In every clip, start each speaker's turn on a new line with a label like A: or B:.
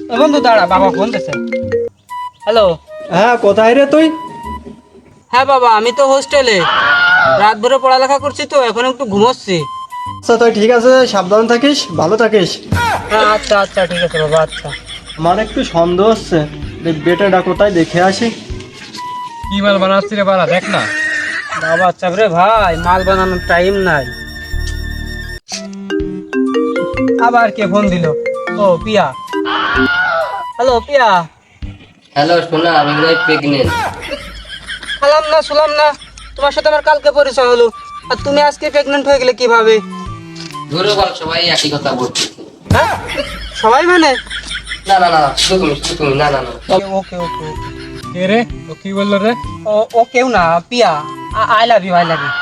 A: বন্ধু দাঁড়া, বাবা ফোন দিছে। হ্যালো।
B: হ্যাঁ, কোথায় রে তুই?
A: হ্যাঁ বাবা, আমি তো হোস্টেলে রাত ভরে পড়ালেখা করছি, তো এখন একটু ঘুমোচ্ছি।
B: আচ্ছা তুই ঠিক আছে, সাবধান থাকিস, ভালো থাকিস।
A: হ্যাঁ আচ্ছা আচ্ছা, ঠিক আছে বাবা, আচ্ছা।
B: আমার একটু সন্দেহ হচ্ছে, বেটাটা কোথায় দেখে আসি।
C: কি মাল বানাচ্ছি রে বাড়া, দেখ না।
A: বাবা চাপ রে ভাই, মাল বানানোর টাইম নাই। আবার কে ফোন দিল? ও পিয়া। হ্যালো পিয়া।
D: হ্যালো সোনা, আমি মনে হয় প্রেগনেন্ট।
A: খালাম না, শুনলাম না, তোমার সাথে আমার কালকে পরিচয় হলো, আর তুমি আজকে প্রেগনেন্ট হয়ে গেলে কিভাবে?
D: ধরে বল, সবাই একই কথা বলছে।
A: হ্যাঁ, সবাই মানে?
D: না না না, শুধু তুমি না না না।
A: ওকে ওকে ওকে।
C: কে রে, ও কি বললো রে?
A: ও কেউ না, Piya. I love you, I love you.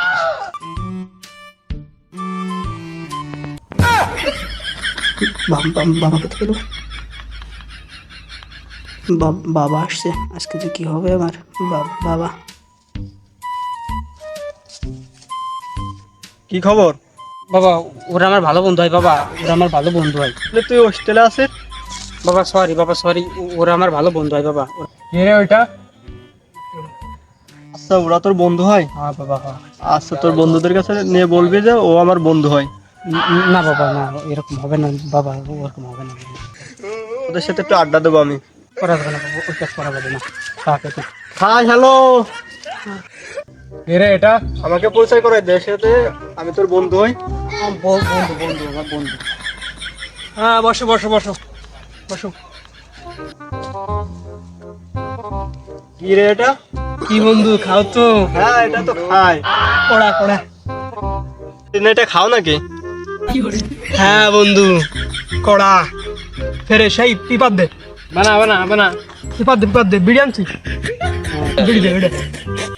E: বাবা কোথায় গেল? বাবা আসছে, আজকে যে কি হবে আমার। বাবা
B: কি খবর?
A: বাবা ওরা আমার ভালো বন্ধু হয়, বাবা ওরা আমার ভালো বন্ধু হয়।
B: বলে তুই হোস্টেলে আছিস?
A: বাবা সরি, বাবা সরি, ওরা আমার ভালো বন্ধু হয় বাবা।
C: কে রে ওইটা?
B: আচ্ছা, ওরা তোর বন্ধু হয়?
A: হ্যাঁ বাবা, হ্যাঁ।
B: আচ্ছা, তোর বন্ধুদের কাছে নিয়ে বলবি যে ও আমার বন্ধু হয়।
A: না বাবা, না এরকম হবে না বাবা, ওরকম হবে না।
B: ওদের সাথে একটু আড্ডা দেবো আমি।
A: করা যাবে না বাবা, ওই কাজ করা যাবে না। তাকে তো
B: হাই হ্যালো,
C: কে রে এটা?
B: আমাকে পরিচয় করে দে, সাথে আমি তোর বন্ধু হই।
A: বন্ধু বন্ধু আমার বন্ধু।
B: হ্যাঁ, বসো বসো বসো বসো। কি রে এটা?
A: কি বন্ধু, খাও তো?
B: হ্যাঁ, এটা তো খাই।
A: কড়া কড়া।
B: তুই না এটা খাও নাকি?
A: হ্যাঁ বন্ধু, কড়া। ফেরে সেই পিপার দে,
C: বানা বানা বানা।
A: পিপার দে, বিড়ি আনছি। বিড়ি দে,